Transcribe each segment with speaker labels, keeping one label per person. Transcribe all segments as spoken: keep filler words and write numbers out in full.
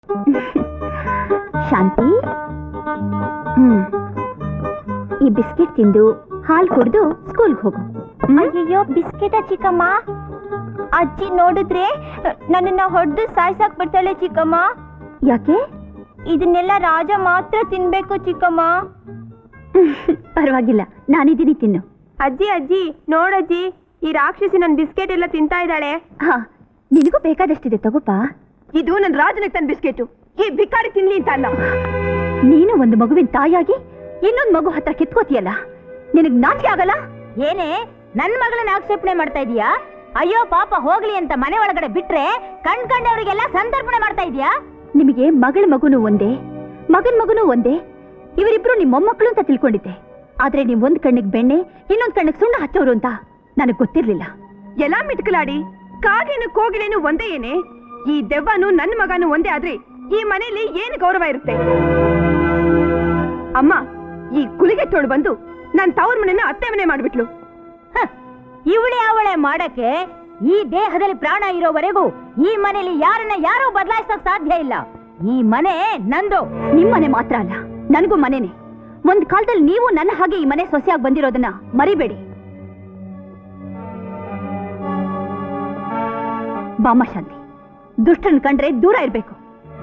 Speaker 1: ಶಾಂತಿ, ಹ್ಮ್ ಈ ಬಿಸ್ಕೆಟ್ ತಿಂದು ಹಾಲು ಕುಡಿದು ಸ್ಕೂಲ್ಗೆ ಹೋಗು.
Speaker 2: ಅಯ್ಯೋ ಬಿಸ್ಕೆಟ ಚಿಕ್ಕಮ್ಮ, ಅಜ್ಜಿ ನೋಡಿದ್ರೆ ನನ್ನನ್ನ ಹೊಡೆದು ಸಾಯ್ಸಾಕ್ ಬಿಡ್ತಾಳೆ ಚಿಕ್ಕಮ್ಮ.
Speaker 1: ಯಾಕೆ?
Speaker 2: ಇದನ್ನೆಲ್ಲ ರಾಜ ಮಾತ್ರ ತಿನ್ಬೇಕು ಚಿಕ್ಕಮ್ಮ.
Speaker 1: ಪರವಾಗಿಲ್ಲ, ನಾನಿದ್ದೀನಿ, ತಿನ್ನು.
Speaker 2: ಅಜ್ಜಿ ಅಜ್ಜಿ ನೋಡಜ್ಜಿ, ಈ ರಾಕ್ಷಸಿ ನನ್ ಬಿಸ್ಕೆಟ್ ಎಲ್ಲ ತಿಂತಾ ಇದ್ದಾಳೆ.
Speaker 1: ಹಾ, ನಿನಗೂ ಬೇಕಾದಷ್ಟಿದೆ, ತಗೋಪಾ.
Speaker 2: ಇದು ನನ್ ರಾಜನಿಗೆ ತನ್ನ ಬಿಸ್ಕೆಟು, ಈ ಭಿಕಾರಿ ತಿನ್ಲಿ ಅಂತ ಅಲ್ಲ.
Speaker 1: ನೀನು ಒಂದು ಮಗುವಿನ ತಾಯಿಯಾಗಿ ಇನ್ನೊಂದು ಮಗು ಹತ್ರ ಕಿತ್ಕೋತಿಯಲ್ಲ, ನಿನಗ್ ನಾಚಿಕೆ ಆಗಲ್ಲ?
Speaker 2: ಏನೇ ನನ್ ಮಗಳನ್ನ ಆಕ್ಷೇಪಣೆ ಮಾಡ್ತಾ ಇದೀಯಾ? ಅಯ್ಯೋ ಪಾಪ ಹೋಗ್ಲಿ ಅಂತ ಮನೆ ಒಳಗಡೆ ಬಿಟ್ರೆ ಕಣ್ ಕಂಡವರಿಗೆಲ್ಲ ಸಂತರ್ಪಣೆ ಮಾಡ್ತಾ ಇದೀಯಾ?
Speaker 1: ನಿಮಗೆ ಮಗಳ ಮಗುನು ಒಂದೇ, ಮಗನ್ ಮಗುನು ಒಂದೇ, ಇವರಿಬ್ರು ನಿಮ್ಮ ಮೊಮ್ಮಕ್ಕಳು ಅಂತ ತಿಳ್ಕೊಂಡಿದ್ದೆ. ಆದ್ರೆ ನೀವ್ ಒಂದ್ ಕಣ್ಣಿಗೆ ಬೆಣ್ಣೆ, ಇನ್ನೊಂದ್ ಕಣ್ಣಿಗೆ ಸುಣ್ಣ ಹಚ್ಚೋರು ಅಂತ ನನಗ್ ಗೊತ್ತಿರ್ಲಿಲ್ಲ.
Speaker 2: ಎಲ್ಲ ಮಿಟ್ಕಲಾಡಿ, ಕಾಗೇನು ಕೋಗಿಲೇನು ಒಂದೇ ಏನೇ? ಈ ದೆವ್ವನು ನನ್ನ ಮಗನು ಒಂದೇ ಆದ್ರೆ ಈ ಮನೆಯಲ್ಲಿ ಏನು ಗೌರವ ಇರುತ್ತೆ? ಅಮ್ಮ, ಈ ಕುಲಿಗೆ ತೋಳು ಬಂದು ನನ್ ತವ್ರ ಮನೆನ ಅತ್ತೆ ಮನೆ ಮಾಡ್ಬಿಟ್ಲು. ಇವಳೆ ಅವಳೆ ಮಾಡಕ್ಕೆ ಈ ದೇಹದಲ್ಲಿ ಪ್ರಾಣ ಇರೋವರೆಗೂ ಈ ಮನೆಯಲ್ಲಿ ಯಾರನ್ನ ಯಾರೂ ಬದಲಾಯಿಸಕ್ ಸಾಧ್ಯ ಇಲ್ಲ. ಈ ಮನೆ ನಂದು.
Speaker 1: ನಿಮ್ಮನೆ ಮಾತ್ರ ಅಲ್ಲ, ನನಗೂ ಮನೆನೆ. ಒಂದ್ ಕಾಲದಲ್ಲಿ ನೀವು ನನ್ನ ಹಾಗೆ ಈ ಮನೆ ಸೊಸೆಯಾಗಿ ಬಂದಿರೋದನ್ನ ಮರಿಬೇಡಿ. ಬಾಮ ಶಾಂತಿ, ದುಷ್ಟನ್ ಕಂಡ್ರೆ ದೂರ ಇರ್ಬೇಕು.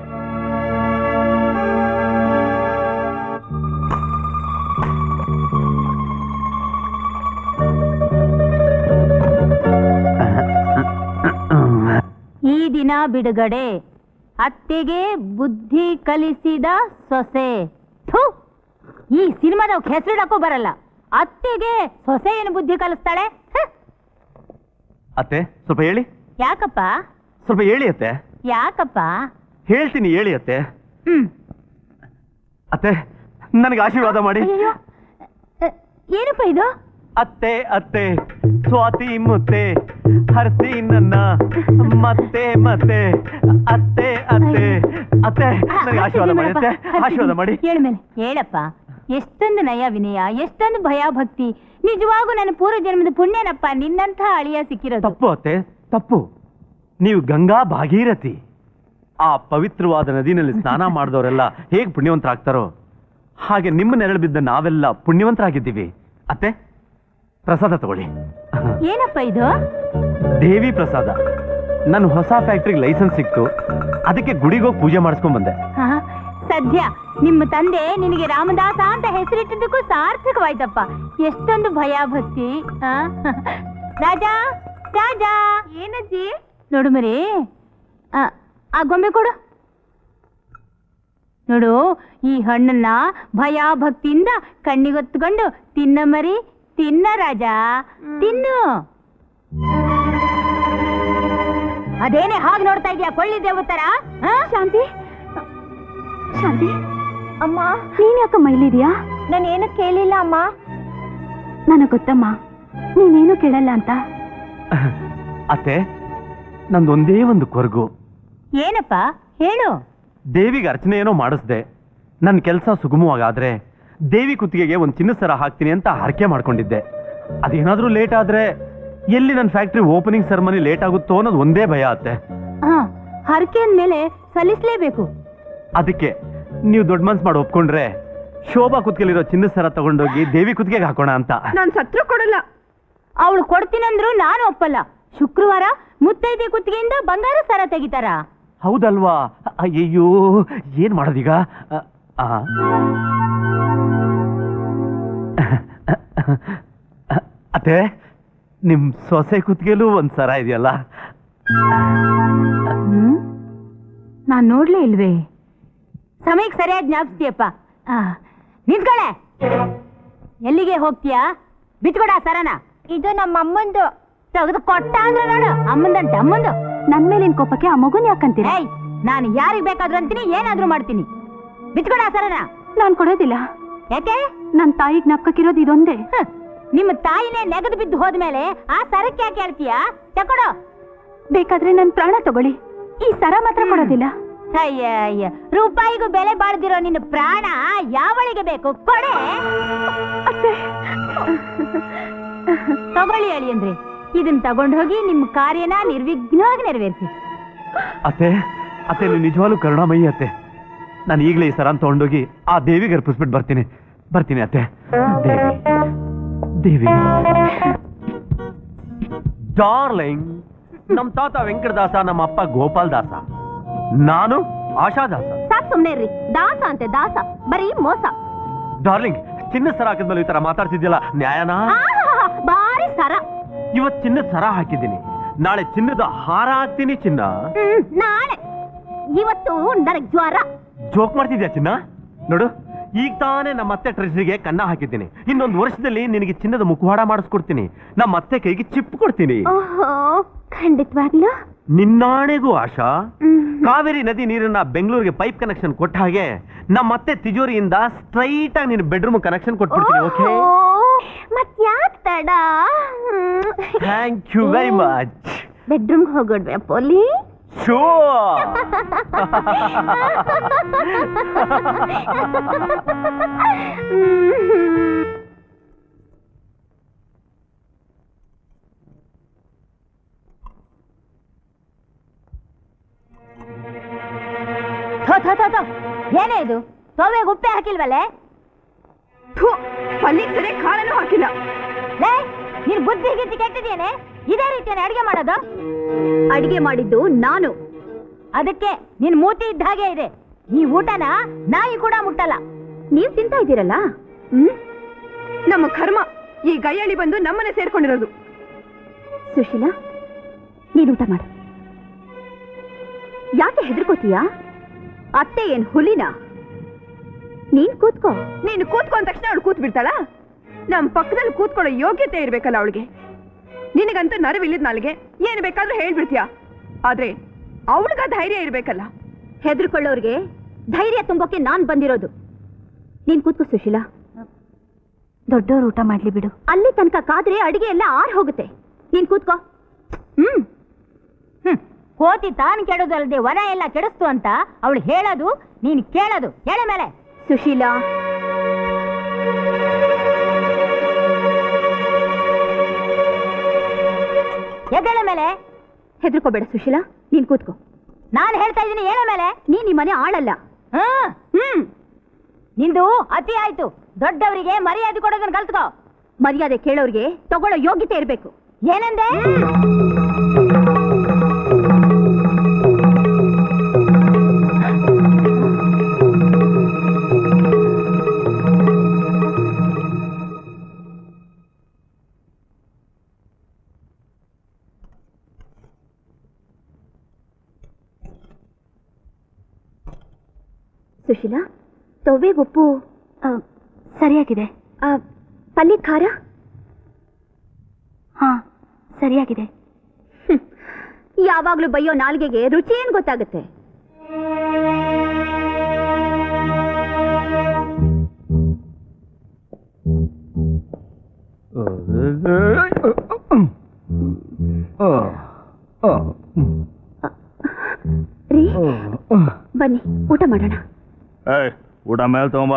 Speaker 2: ಈ ದಿನ ಬಿಡುಗಡೆ, ಅತ್ತೆಗೆ ಬುದ್ಧಿ ಕಲಿಸಿದ ಸೊಸೆ. ಥು, ಈ ಸಿನಿಮಾದ ಹೆಸರಿಡಕ್ಕೂ ಬರಲ್ಲ. ಅತ್ತೆಗೆ ಸೊಸೆ ಏನು ಬುದ್ಧಿ ಕಲಿಸ್ತಾಳೆ?
Speaker 3: ಅತ್ತೆ ಸ್ವಲ್ಪ ಹೇಳಿ.
Speaker 2: ಯಾಕಪ್ಪ?
Speaker 3: ಸ್ವಲ್ಪ ಹೇಳಿ ಅತ್ತೆ.
Speaker 2: ಯಾಕಪ್ಪ?
Speaker 3: ಹೇಳ್ತೀನಿ ಹೇಳಿ ಅತ್ತೆ.
Speaker 2: ಹ್ಮ್
Speaker 3: ಅತ್ತೆ, ನನಗೆ ಆಶೀರ್ವಾದ ಮಾಡಿ.
Speaker 2: ಏನಪ್ಪ ಇದು?
Speaker 3: ಅತ್ತೆ ಅತ್ತೆ ಸ್ವಾತಿ ಮುತ್ತೆ ಹರ್ಸಿ ನನ್ನ ಮತ್ತೆ ಮತ್ತೆ ಅತ್ತೆ ಅತ್ತೆ ಅತ್ತೆ ನನಗೆ ಆಶೀರ್ವಾದ ಮಾಡಿ ಅತ್ತೆ, ಆಶೀರ್ವಾದ ಮಾಡಿ.
Speaker 2: ಹೇಳ ಮೇಲೆ ಹೇಳಪ್ಪ. ಎಷ್ಟೊಂದು ನಯ ವಿನಯ, ಎಷ್ಟೊಂದು ಭಯ ಭಕ್ತಿ. ನಿಜವಾಗೂ ನನ್ನ ಪೂರ್ವ ಜನ್ಮದ ಪುಣ್ಯನಪ್ಪ ನಿನ್ನಂಥ ಅಳಿಯ ಸಿಕ್ಕಿರೋದು.
Speaker 3: ತಪ್ಪು ಅತ್ತೆ, ತಪ್ಪು. ನೀವು ಗಂಗಾ ಭಾಗೀರಥಿ. ಆ ಪವಿತ್ರವಾದ ನದಿನಲ್ಲಿ ಸ್ನಾನ ಮಾಡಿದವರೆಲ್ಲ ಹೇಗೆ ಪುಣ್ಯವಂತರಾಗ್ತಾರೋ ಹಾಗೆ ನಿಮ್ಮ ನೆರಳು ಬಿದ್ದ ನಾವೆಲ್ಲ ಪುಣ್ಯವಂತರಾಗಿದ್ದೀವಿ. ಅತ್ತೆ, ಪ್ರಸಾದ ತಗೊಳ್ಳಿ.
Speaker 2: ಏನಪ್ಪ ಇದು?
Speaker 3: ದೇವಿ ಪ್ರಸಾದ. ನನ್ನ ಹೊಸ ಫ್ಯಾಕ್ಟ್ರಿಗೆ ಲೈಸೆನ್ಸ್ ಸಿಕ್ತು, ಅದಕ್ಕೆ ಗುಡಿಗೋಗಿ ಪೂಜೆ ಮಾಡಿಸ್ಕೊಂಡ್ ಬಂದೆ.
Speaker 2: ಸದ್ಯ ನಿಮ್ಮ ತಂದೆ ನಿನಗೆ ರಾಮದಾಸ ಅಂತ ಹೆಸರಿಟ್ಟಿದ್ದಕ್ಕೂ ಸಾರ್ಥಕವಾಯ್ತಪ್ಪ. ಎಷ್ಟೊಂದು ಭಯ ಭಕ್ತಿ. ರಾಜ ರಾಜ. ಏನಜ್ಜಿ? ನೋಡು ಮರಿ, ಆ ಗೊಂಬೆ ಕೊಡು. ನೋಡು, ಈ ಹಣ್ಣನ್ನ ಭಯ ಭಕ್ತಿಯಿಂದ ಕಣ್ಣಿಗೊತ್ಕೊಂಡು ತಿನ್ನ ಮರಿ, ತಿನ್ನ ರಾಜ, ತಿನ್ನು. ಅದೇನೇ ಹಾಗೆ ನೋಡ್ತಾ ಇದೀಯಾ ಕೊಳ್ಳಿ ದೇವತರ?
Speaker 1: ಶಾಂತಿ, ಶಾಂತಿ
Speaker 2: ಅಮ್ಮ,
Speaker 1: ನೀನ್ ಯಾಕಮ್ಮ ಇಲ್ಲಿದ್ಯಾ?
Speaker 2: ನಾನೇನು ಕೇಳಿಲ್ಲ ಅಮ್ಮ.
Speaker 1: ನನಗ್ ಗೊತ್ತಮ್ಮ, ನೀನೇನು ಕೇಳಲ್ಲ ಅಂತ.
Speaker 3: ಅತ್ತೆ, ನಂದೊಂದೇ ಒಂದು ಕೊರಗು.
Speaker 2: ಏನಪ್ಪ ಹೇಳು.
Speaker 3: ದೇವಿಗೆ ಅರ್ಚನೆ ಏನೋ ಮಾಡಿಸ್ದೆ. ನನ್ನ ಕೆಲಸ ಸುಗಮವಾಗಾದ್ರೆ ದೇವಿ ಕುತ್ತಿಗೆಗೆ ಒಂದು ಚಿನ್ನದ ಸರ ಹಾಕ್ತೀನಿ ಅಂತ ಹರಕೆ ಮಾಡ್ಕೊಂಡಿದ್ದೆ. ಅದೇನಾದ್ರೂ ಲೇಟ್ ಆದ್ರೆ ಎಲ್ಲಿ ನನ್ನ ಫ್ಯಾಕ್ಟ್ರಿ ಓಪನಿಂಗ್ ಸೆರೆಮನಿ ಲೇಟ್ ಆಗುತ್ತೋ ಅನ್ನೋದು ಒಂದೇ ಭಯ ಅತ್ತೆ.
Speaker 2: ಹರಕೆ ಅಂದ್ಮೇಲೆ ಸಲ್ಲಿಸ್ಲೇಬೇಕು.
Speaker 3: ಅದಕ್ಕೆ ನೀವು ದೊಡ್ಡ ಮನ್ಸು ಮಾಡಿ ಒಪ್ಕೊಂಡ್ರೆ ಶೋಭಾ ಕುತ್ತಿಗೆಲಿರೋ ಚಿನ್ನದ ಸರ ತಗೊಂಡೋಗಿ ದೇವಿ ಕುತ್ತಿಗೆಗೆ ಹಾಕೋಣ ಅಂತ.
Speaker 2: ನಾನು ಸತ್ರು ಕೊಡಲ್ಲ. ಅವಳು ಕೊಡ್ತೀನಂದ್ರು ನಾನು ಒಪ್ಪಲ್ಲ. ಶುಕ್ರವಾರ ಮುತ್ತೈದೆ ಕುತ್ತಿಗೆಯಿಂದ ಬಂಗಾರ ಸರ ತೆಗಿತಾರ.
Speaker 3: ಹೌದಲ್ವಾ? ಅಯ್ಯೋ, ಏನ್ ಮಾಡೋದೀಗ? ಅತ್ತೆ, ನಿಮ್ ಸೊಸೆ ಕುತ್ತಿಗೆಲೂ ಒಂದ್ ಸರ ಇದೆಯಲ್ಲ?
Speaker 2: ನಾನ್ ನೋಡ್ಲೇ ಇಲ್ವೇ? ಸಮಯಕ್ಕೆ ಸರಿಯಾಗಿ ಜ್ಞಾಪಿಸ್ತೀಯಪ್ಪ. ನಿಂತ್ಕೊಳ್ಳೆ. ಎಲ್ಲಿಗೆ ಹೋಗ್ತೀಯಾ? ಬಿಟ್ಕೊಡ ಸರನ. ಇದು ನಮ್ಮ ಅಮ್ಮಂದು. ತೆಗೆದು ಕೊಟ್ಟ ಅಂದ್ರೆ ನೋಡು, ಅಮ್ಮಂದಂತೆ ಅಮ್ಮಂದು.
Speaker 1: ನನ್ ಮೇಲಿನ ಕೋಪಕ್ಕೆ ಆ ಮಗುನ್ ಯಾಕಂತೀರ?
Speaker 2: ನಾನು ಯಾರಿಗ್ ಬೇಕಾದ್ರೂ ಅಂತೀನಿ, ಏನಾದ್ರೂ ಮಾಡ್ತೀನಿ. ಬಿಟ್ಕೊಡ ಸರನ.
Speaker 1: ನಾನ್ ಕೊಡೋದಿಲ್ಲ.
Speaker 2: ಯಾಕೆ?
Speaker 1: ನನ್ ತಾಯಿ ಜ್ಞಾಪಕಿರೋದು ಇದೊಂದೇ.
Speaker 2: ನಿಮ್ಮ ತಾಯಿನೇ ನೆಗೆದು ಬಿದ್ದು ಹೋದ್ಮೇಲೆ ಆ ಸರಕ್ಕೆ ಯಾಕೆ ಹೇಳ್ತೀಯಾ? ತಕೊಡು.
Speaker 1: ಬೇಕಾದ್ರೆ ನನ್ ಪ್ರಾಣ ತಗೊಳ್ಳಿ, ಈ ಸರ ಮಾತ್ರ ಕೊಡೋದಿಲ್ಲ.
Speaker 2: ಅಯ್ಯ ಅಯ್ಯ, ರೂಪಾಯಿಗೂ ಬೆಲೆ ಬಾಳ್ದಿರೋ ನಿನ್ನ ಪ್ರಾಣ ಯಾವಳಿಗೆ ಬೇಕು? ಕೊಡೆ. ತಗೊಳ್ಳಿ ಹೇಳಿ ಅಂದ್ರೆ ಇದನ್ನ ತಗೊಂಡು ಹೋಗಿ ನಿಮ್ಮ ಕಾರ್ಯನ ನಿರ್ವಿಘ್ನವಾಗಿ ನೆರವೇರಿಸಿ.
Speaker 3: ಅತ್ತೆ, ಅತ್ತೆ ನೀವು ನಿಜವಾಗ್ಲೂ ಕರುಣಾಮಯಿ ಅತ್ತೆ. ನಾನು ಈಗಲೇ ಈ ಸರನ್ ತಗೊಂಡೋಗಿ ಆ ದೇವಿಗೆ ಅರ್ಪಿಸ್ಬಿಟ್ಟು ಬರ್ತೀನಿ ಬರ್ತೀನಿ ಅತ್ತೆ. ದೇವಿ ದೇವಿ ಡಾರ್ಲಿಂಗ್, ನಮ್ ತಾತ ವೆಂಕಟದಾಸ, ನಮ್ಮ ಅಪ್ಪ ಗೋಪಾಲ್ ದಾಸ, ನಾನು ಆಶಾದಾಸ.
Speaker 2: ಸಾಕ್ ಸುಮ್ನೆ ಇರ್ರಿ. ದಾಸ ಅಂತೆ ದಾಸ, ಬರೀ ಮೋಸ.
Speaker 3: ಡಾರ್ಲಿಂಗ್, ಚಿನ್ನ ಸರ ಹಾಕಿದ್ಮೇಲೆ ಈ ತರ ಮಾತಾಡ್ತಿದ್ಯಲ್ಲ, ನ್ಯಾಯನಾ?
Speaker 2: ಆಹಾಹಾ, ಬಾರಿ ಸರ.
Speaker 3: ಇವತ್ ಚಿನ್ನದ ಸರ ಹಾಕಿದ್ದೀನಿ, ನಾಳೆ ಚಿನ್ನದ ಹಾರ ಹಾಕ್ತೀನಿ. ಚಿನ್ನ
Speaker 2: ಹ್ಮ್, ನಾಳೆ. ಇವತ್ತು ನನಗ್ ಜ್ವರ.
Speaker 3: ಜೋಕ್ ಮಾಡ್ತಿದ್ಯಾ ಚಿನ್ನ? ನೋಡು, ಈಗ ತಾನೇ ನಮ್ಮ ಅತ್ತೆ ಟ್ರೆಸ್ರಿಗೆ ಕನ್ನ ಹಾಕಿದ್ದೀನಿ. ಇನ್ನೊಂದು ವರ್ಷದಲ್ಲಿ ನಿನಗೆ ಚಿನ್ನದ ಮುಖವಾಡ ಮಾಡಿಸ್ಕೊಡ್ತೀನಿ. ನಮ್ಮ ಅತ್ತೆ ಕೈಗೆ ಚಿಪ್ ಕೊಡ್ತೀನಿ.
Speaker 2: ಓಹೋ, ಖಂಡಿತವಾಗ್ಲೂ
Speaker 3: ನಿನ್ನಾಣೆಗೂ ಆಶಾ. ಕಾವೇರಿ ನದಿ ನೀರನ್ನ ಬೆಂಗಳೂರಿಗೆ ಪೈಪ್ ಕನೆಕ್ಷನ್ ಕೊಟ್ಟ ಹಾಗೆ ನಮ್ಮ ಅತ್ತೆ ತಿಜೋರಿಯಿಂದ ಸ್ಟ್ರೈಟ್ ಆಗಿ ನಿನ್ನ ಬೆಡ್ರೂಮ್ ಕನೆಕ್ಷನ್ ಕೊಟ್ಬಿಡ್ತೀನಿ. ಓಕೆ?
Speaker 2: ಮತ್ ಯಾಕ್ ತಡ?
Speaker 3: Thank you very much.
Speaker 2: Bedroom ಹೋಗೋಡ್ವೆ ಪೋಲಿ?
Speaker 3: ಶೋರ್.
Speaker 2: ಏನೇ ಇದು? ತೋವೆಗೆ ಉಪ್ಪೆ ಹಾಕಿಲ್ವಲ್ಲೇ?
Speaker 1: ಪಲ್ಲಿಗೆ ಸರಿ ಖಾರನೂ ಹಾಕಿಲ್ಲ.
Speaker 2: ಲೇ, ನೀನ್ ಬುದ್ಧಿ ಗಿದ್ದಿ ಕೆಟ್ಟಿದ್ದೇನೆ. ಇದೇ ರೀತಿಯ ಅಡಿಗೆ ಮಾಡೋದು?
Speaker 1: ಅಡಿಗೆ ಮಾಡಿದ್ದು ನಾನು.
Speaker 2: ಅದಕ್ಕೆ ನಿನ್ ಮೂತಿ ಇದ್ದ ಹಾಗೆ ಇದೆ. ಈ ಊಟನ ನಾಯಿ ಕೂಡ ಮುಟ್ಟಲ್ಲ.
Speaker 1: ನೀವ್ ತಿಂತಾ ಇದ್ದೀರಲ್ಲ. ಹ್ಮ್, ನಮ್ಮ ಕರ್ಮ ಈ ಗೈಯಳಿ ಬಂದು ನಮ್ಮನೆ ಸೇರ್ಕೊಂಡಿರೋದು. ಸುಶೀಲಾ, ನೀನ್ ಊಟ ಮಾಡು. ಯಾಕೆ ಹೆದರ್ಕೋತೀಯಾ? ಅತ್ತೆ ಏನ್ ಹುಲಿನ? ನೀನ್ ಕೂತ್ಕೋ. ನೀನು ಕೂತ್ಕೊಂಡ ತಕ್ಷಣ ಅವಳು ಕೂತ್ ಬಿಡ್ತಾಳ? ನಮ್ ಪಕ್ಕದಲ್ಲಿ ಕೂತ್ಕೊಳ್ಳೋ ಯೋಗ್ಯತೆ ಇರ್ಬೇಕಲ್ಲ ಅವಳಿಗೆ. ನಿನಗಂತೂ ನರವಿಲ್ಲದ ನಾಳಿಗೆ ಏನು ಬೇಕಾದ್ರೂ ಹೇಳ್ಬಿಡ್ತೀಯ. ಆದ್ರೆ ಅವಳಿಗ ಧೈರ್ಯ ಇರ್ಬೇಕಲ್ಲ. ಹೆದರ್ಕೊಳ್ಳೋರ್ಗೆ ಧೈರ್ಯ ತುಂಬೋಕೆ ನಾನ್ ಬಂದಿರೋದು. ನೀನ್ ಕೂತ್ಕೋ ಸುಶೀಲಾ. ದೊಡ್ಡವ್ರು ಊಟ ಮಾಡ್ಲಿ ಬಿಡು. ಅಲ್ಲಿ ತನಕ ಕಾದ್ರೆ ಅಡಿಗೆ ಎಲ್ಲ ಆರ್ ಹೋಗುತ್ತೆ. ನೀನ್ ಕೂತ್ಕೋ. ಹ್ಮ್
Speaker 2: ಹ್ಮ್ ಕೋತಿ ತಾನು ಕೆಡೋದಲ್ಲದೆ ವನ ಎಲ್ಲ ಕೆಡಿಸ್ತು ಅಂತ ಅವಳು ಹೇಳೋದು, ನೀನ್ ಕೇಳೋದು. ಹೇಳ ಮೇಲೆ.
Speaker 1: ಸುಶೀಲಾ,
Speaker 2: ಎದ್ದೇಳ ಮೇಲೆ.
Speaker 1: ಹೆದರ್ಕೋಬೇಡ ಸುಶೀಲಾ, ನೀನ್ ಕೂತ್ಕೋ.
Speaker 2: ನಾನು ಹೇಳ್ತಾ ಇದ್ದೀನಿ, ಹೇಳ ಮೇಲೆ.
Speaker 1: ನೀನ್ ಈ ಮನೆ ಆಳಲ್ಲ.
Speaker 2: ಹ್ಮ್
Speaker 1: ಹ್ಮ್
Speaker 2: ನಿಂದು ಅತಿ ಆಯ್ತು. ದೊಡ್ಡವರಿಗೆ ಮರ್ಯಾದೆ ಕೊಡೋದನ್ನ ಕಲ್ತ್ಕೋ.
Speaker 1: ಮರ್ಯಾದೆ ಕೇಳೋರ್ಗೆ ತಗೊಳ್ಳೋ ಯೋಗ್ಯತೆ ಇರ್ಬೇಕು.
Speaker 2: ಏನಂದೆ?
Speaker 1: ಸುಶೀಲಾ, ತೊವ್ವೆಗೆ ಉಪ್ಪು ಸರಿಯಾಗಿದೆ. ಪಲ್ಯ ಖಾರ ಹಾ ಸರಿಯಾಗಿದೆ. ಯಾವಾಗ್ಲೂ ಬೈಯೋ ನಾಲ್ಗೆಗೆ ರುಚಿ ಏನ್ ಗೊತ್ತಾಗುತ್ತೆ? ರೀ, ಬನ್ನಿ ಊಟ ಮಾಡೋಣ.
Speaker 4: ಊಟ ಮೇಲೆ ತಗೊಂಬ.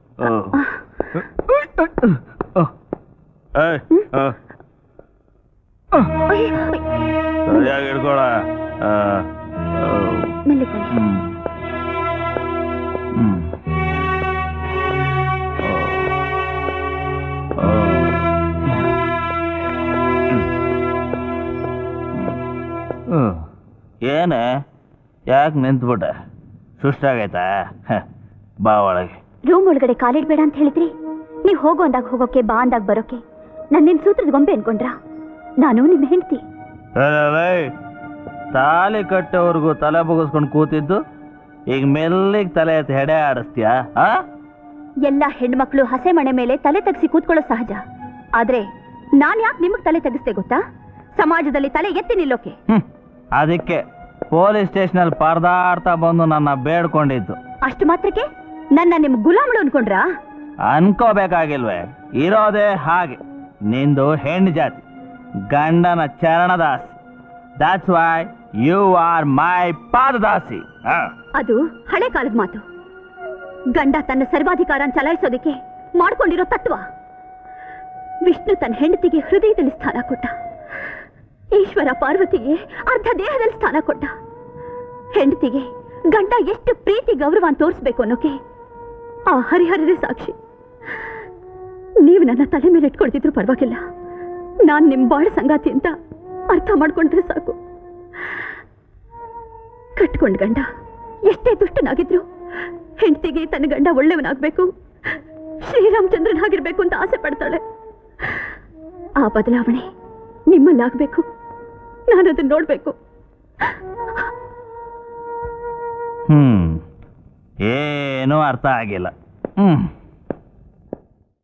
Speaker 4: ಸರಿಯಾಗಿ ಹಿಡ್ಕೊಳ.
Speaker 1: ಮೆಲ್ಲೆ ಬನ್ನಿ.
Speaker 4: ಏನೇ, ಯಾಕೆ ನಿಂತ್ಬಿಟ್ಟೆ? ಸುಸ್ತಾಗೈತಾ? ಬಾ ಒಳಗೆ.
Speaker 1: ರೂಮ್ ಒಳಗಡೆ ಕಾಲಿಡ್ಬೇಡ ಅಂತ ಹೇಳಿದ್ರಿ. ನೀವ್ ಹೋಗೋ ಅಂದಾಗ ಹೋಗೋಕೆ, ಬಾ ಅಂದಾಗ ಬರೋಕೆ ನಾನು ನಿನ್ ಸೂತ್ರದ ಗೊಂಬೆ ಅನ್ಕೊಂಡ್ರಾ? ನಾನು ನಿಮ್ ಹೆಂಡ್ತಿ.
Speaker 4: ತಾಲಿ ಕಟ್ಟೋರ್ಗು ತಲೆ ಬಗ್ಗಿಸ್ಕೊಂಡು ಕೂತಿದ್ದು ಈಗ ಮೆಲ್ಲಿಗೆ ತಲೆ ಎತ್ತಿ ಹೆಡೆ ಆಡಿಸ್ತೀಯಾ?
Speaker 1: ಎಲ್ಲ ಹೆಣ್ಮಕ್ಳು ಹಸೆ ಮಣೆ ಮೇಲೆ ತಲೆ ತಗ್ಸಿ ಕೂತ್ಕೊಳ್ಳೋ ಸಹಜ. ಆದ್ರೆ ನಾನ್ ಯಾಕೆ ನಿಮಗ್ ತಲೆ ತಗ್ಸ್ತೆ ಗೊತ್ತಾ? ಸಮಾಜದಲ್ಲಿ ತಲೆ ಎತ್ತಿ ನಿಲ್ಲೋಕೆ.
Speaker 4: ಅದಕ್ಕೆ ಪೊಲೀಸ್ ಸ್ಟೇಷನ್ ಅಲ್ಲಿ ಪರದಾಡ್ತಾ ಬಂದು ನನ್ನ ಬೇಡ್ಕೊಂಡಿದ್ದು.
Speaker 1: ಅಷ್ಟು ಮಾತ್ರಕ್ಕೆ ನನ್ನ ನಿಮ್ ಗುಲಾಮಳು ಅನ್ಕೊಂಡ್ರಾ?
Speaker 4: ಅನ್ಕೋಬೇಕಾಗಿಲ್ವೇ? ಇರೋದೇ ಹಾಗೆ. ನಿಂದು ಹೆಣ್ಣು ಜಾತಿ, ಗಂಡನ ಚರಣದಾಸಿ. That's why you are my ಪಾದದಾಸಿ.
Speaker 1: ಅದು ಹಳೆ ಕಾಲದ ಮಾತು. ಗಂಡ ತನ್ನ ಸರ್ವಾಧಿಕಾರ ಚಲಾಯಿಸೋದಕ್ಕೆ ಮಾಡ್ಕೊಂಡಿರೋ ತತ್ವ. ವಿಷ್ಣು ತನ್ನ ಹೆಂಡತಿಗೆ ಹೃದಯದಲ್ಲಿ ಸ್ಥಾನ ಕೊಟ್ಟ. ಈಶ್ವರ ಪಾರ್ವತಿಗೆ ಅರ್ಧ ದೇಹದಲ್ಲಿ ಸ್ಥಾನ ಕೊಟ್ಟ. ಹೆಂಡತಿಗೆ ಗಂಡ ಎಷ್ಟು ಪ್ರೀತಿ ಗೌರವ ತೋರಿಸ್ಬೇಕು ಅನ್ನೋಕೆ ಆ ಹರಿಹರರೇ ಸಾಕ್ಷಿ. ನೀವು ನನ್ನ ತಲೆ ಮೇಲೆ ಇಟ್ಕೊಳ್ತಿದ್ರು ಪರವಾಗಿಲ್ಲ, ನಾನ್ ನಿಮ್ ಬಾಳ ಸಂಗಾತಿ ಅಂತ ಅರ್ಥ ಮಾಡ್ಕೊಂಡ್ರೆ ಸಾಕು. ಕಟ್ಕೊಂಡ್ ಗಂಡ ಎಷ್ಟೇ ದುಷ್ಟನಾಗಿದ್ರು ಹೆಂಡತಿಗೆ ತನ್ನ ಗಂಡ ಒಳ್ಳೆಯವನಾಗ್ಬೇಕು, ಶ್ರೀರಾಮಚಂದ್ರನಾಗಿರ್ಬೇಕು ಅಂತ ಆಸೆ ಪಡ್ತಾಳೆ. ಆ ಬದಲಾವಣೆ ನಿಮ್ಮಲ್ಲಾಗ್ಬೇಕು. ನಾನದನ್ನ ನೋಡ್ಬೇಕು.
Speaker 4: ಹ್ಮ್ ಏನೂ ಅರ್ಥ ಆಗಿಲ್ಲ. ಹ್ಮ್